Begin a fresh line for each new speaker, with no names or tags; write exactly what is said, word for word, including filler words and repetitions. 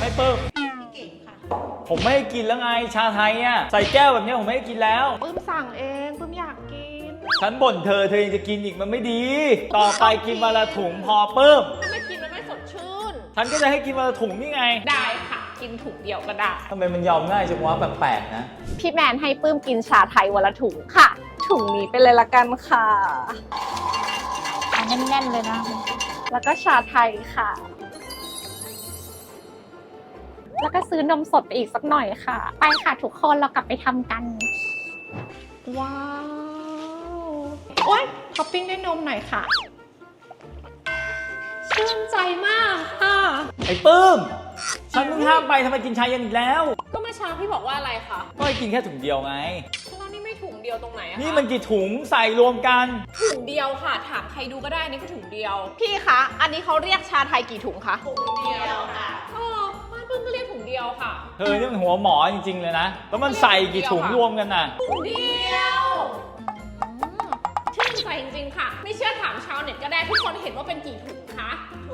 ไม่เปิ้ม
เก่งค่ะ
ผมไม่ให้กินแล้วไงชาไทยอ่ะใส่แก้วแบบนี้ผมไม่ให้กินแล้ว
ปื้มสั่งเองปื้มอยากกิน
ฉันบ่นเธอเธอยังจะกินอีกมันไม่ดี ต่อไปกินวันละถุงพอเปิ้ม
ถ้าไม่กินมันไม่สดชื่น
ฉันก็จะให้กินวันละถุงนี่ไง
ได้ค่ะกินถุงเดียวก็ได้
ทำไมมันยอมง่ายจังวะแปลกๆนะ
พี่แมนให้ปื้มกินชาไทยวันละถุงค่ะถุงนี้ไปเลยละกันค่ะเอาแน่นๆเลยนะแล้วก็ชาไทยค่ะแล้วก็ซื้อนมสดไปอีกสักหน่อยค่ะไปค่ะทุกคนเรากลับไปทำกัน
ว้าวโอ๊ยท็อปปิ้งด้วยนมหน่อยค่ะชื่นใจมากค่ะ
ไอ้ปื้มฉันเพิ่งห้ามไปทำไมกินชาเย็นอีกแล้ว
ก็เมื่อเช้าพี่บอกว่าอะไรคะ
ก็ให้กินแค่ถุงเดียวไง
แล้วนี่ไม่ถุงเดียวตรงไหนอะ
นี่มันกี่ถุงใส่รวมกัน
ถุงเดียวค่ะถามใครดูก็ได้นี่ก็ถุงเดียวพี่คะอันนี้เขาเรียกชาไทยกี่ถุงคะถุงเดียวค่ะอ๋อบ้านเพิ่งก็เรียกถุงเดียวค่ะ
เธอนี่มันหัวหมอจริงๆเลยนะแล้วมันใส่กี่ถุงรวมกันน่ะ
ถุงเดียวชื่นใจจริงๆค่ะไม่เชื่อถามชาวเน็ตก็ได้ทุกคนเห็นว่าเป็นกี่ถุงคะ